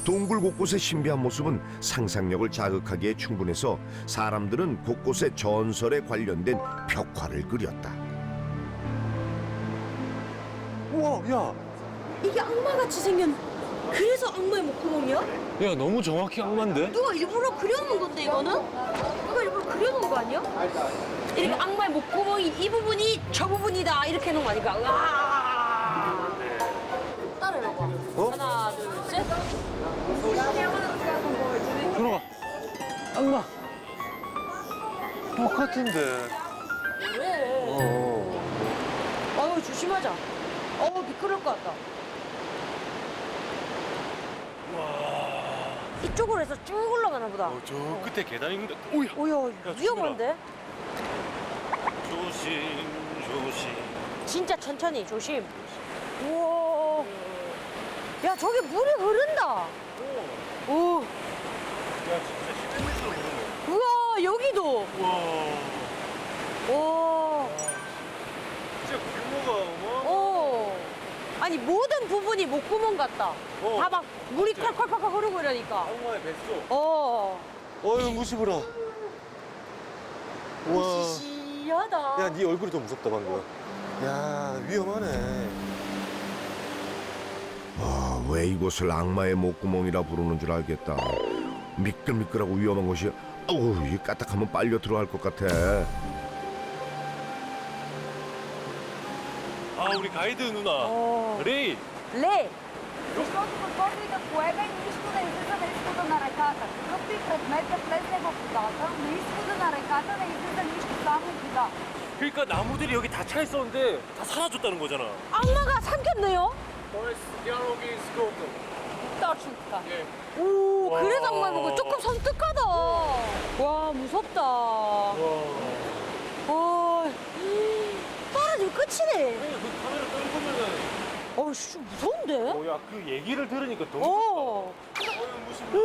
동굴 곳곳의 신비한 모습은 상상력을 자극하기에 충분해서 사람들은 곳곳에 전설에 관련된 벽화를 그렸다. 우와, 야, 이게 악마같이 생겼. 그래서 악마의 목구멍이야? 야, 너무 정확히 악마인데? 누가 일부러 그려놓은 건데 이거는? 누가 일부러 그려놓은 거 아니야? 이렇게 악마의 목구멍이 이 부분이 저 부분이다 이렇게 해놓은 거 아닐까? 으아! 따라해봐. 하나, 둘, 셋. 들어가. 악마. 똑같은데. 그래. 아유 조심하자. 미끄러울 것 같다. 이쪽으로 해서 쭉 올라가나 보다. 저 끝에 계단 있는데. 오야. 오야 위험한데? 조심, 조심. 진짜 천천히 조심. 우와. 야 저기 물이 흐른다. 오. 야, 진짜 10m로 오르네. 우와 여기도. 우와. 와. 진짜 규모가 아니 모든 부분이 목구멍 같다. 어. 다 막 물이 콸콸콸콸 흐르고 이러니까. 악마의 뱃속. 어휴 무시부라. 우와. 시시하다. 야, 네 얼굴이 더 무섭다, 방금. 야, 위험하네. 왜 이곳을 악마의 목구멍이라 부르는 줄 알겠다. 미끌미끌하고 위험한 곳이 이 까딱하면 빨려 들어갈 것 같아. 아, 우리 가이드 누나. 레이. 레. Защото подготвиха поега и нищо не излиза на изхода на реката. Какъвто и предмет да влезе в водата, на изхода на реката не излиза нищо, само вода. 그러니까 나무들이 여기 다 차 있었는데 다 사라졌다는 거잖아. 악마가 삼켰네요. Точно така. 오, 와. 그래서 악마 보고 조금 섬뜩하다. 와, 무섭다. 와, 떨어지면 끝이네. 그 카메라 떨구면은. 씨, 무서운데? 야, 그 얘기를 들으니까 더 무섭다. 무섭다.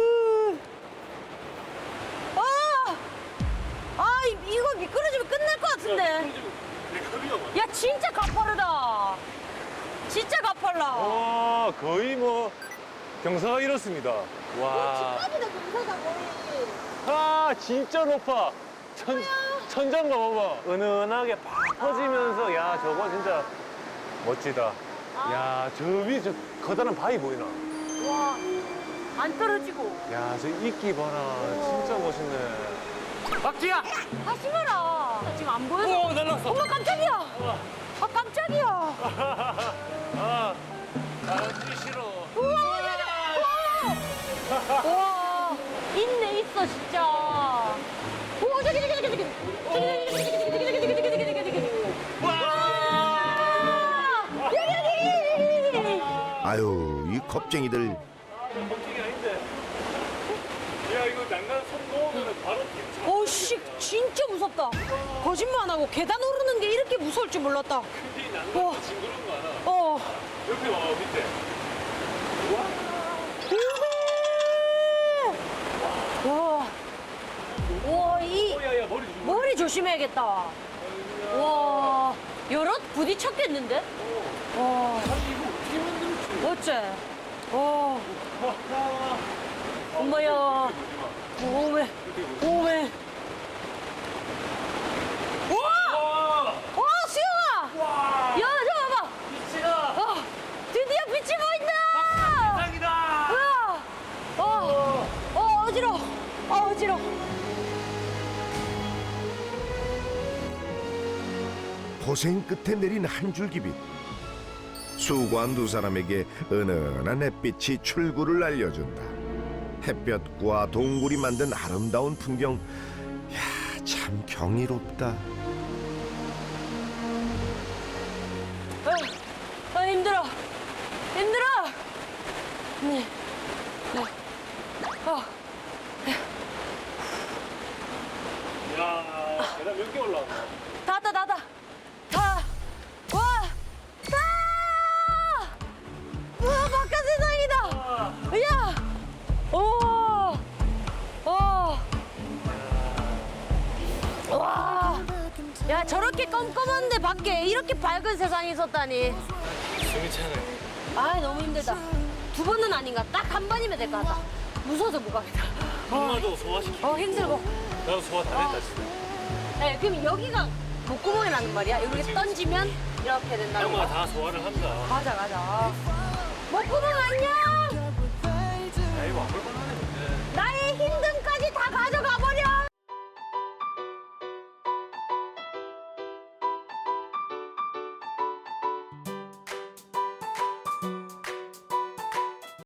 이거 미끄러지면 끝날 것 같은데. 야, 진짜 가파르다. 진짜 가팔라. 와, 거의 뭐 경사가 이렇습니다. 와. 집까지다, 경사가 거의. 아, 진짜 높아. 천장 봐봐. 은은하게 팍 퍼지면서, 야, 저거 진짜 멋지다. 야, 저 위에 저 커다란 바위 보이나? 와, 안 떨어지고. 야, 저 이끼 봐라. 진짜 멋있네. 박지야! 하지 마라. 지금 안 보여서. 날랐어. 엄마 깜짝이야. 아, 깜짝이야. 아, 나지 싫어. 와, 있네, 있어, 진짜. 오, 저기. 여기. 아유, 이 겁쟁이들. 걱정이 아닌데. 야, 이거 난간 손 놓으면 바로 뒤 씨, 진짜 무섭다. 거짓말 안 하고 계단 오르는 게 이렇게 무서울 줄 몰랐다. 이 와. 난간 징그러운 거 알아? 옆에 와, 밑에. 와, 야, 머리 조심. 머리 조심해야겠다. 와, 여럿 부딪혔겠는데? 와, 이거 어떻게 만들었지? 어째? 엄마야. 오메. 와, 수영아! 와! 야, 저 봐봐! 빛이다! 드디어 빛이 보인다! 대박이다! 어지러워. 어지러워. 고생 끝에 내린 한 줄 기빛. 수고한 두 사람에게 은은한 햇빛이 출구를 알려준다. 햇볕과 동굴이 만든 아름다운 풍경. 야, 참 경이롭다. 힘들어. 네. 야, 계단 몇 개 올라왔어? 다. 우와, 바깥 세상이다. 야, 와, 야, 저렇게 껌껌한데 밖에 이렇게 밝은 세상이 있었다니. 숨이 차네. 아, 너무 힘들다. 두 번은 아닌가? 딱 한 번이면 될 것 같다. 무서워서 못 가겠다. 엄마도 소화시키. 힘들고. 나도 소화 다 됐다 진짜. 네, 그럼 여기가 목구멍이라는 말이야? 이렇게 던지면 이렇게 된다는 엄마가 거야? 다 소화를 한다. 가자. 목구멍 안녕! 야 이거 안 볼까?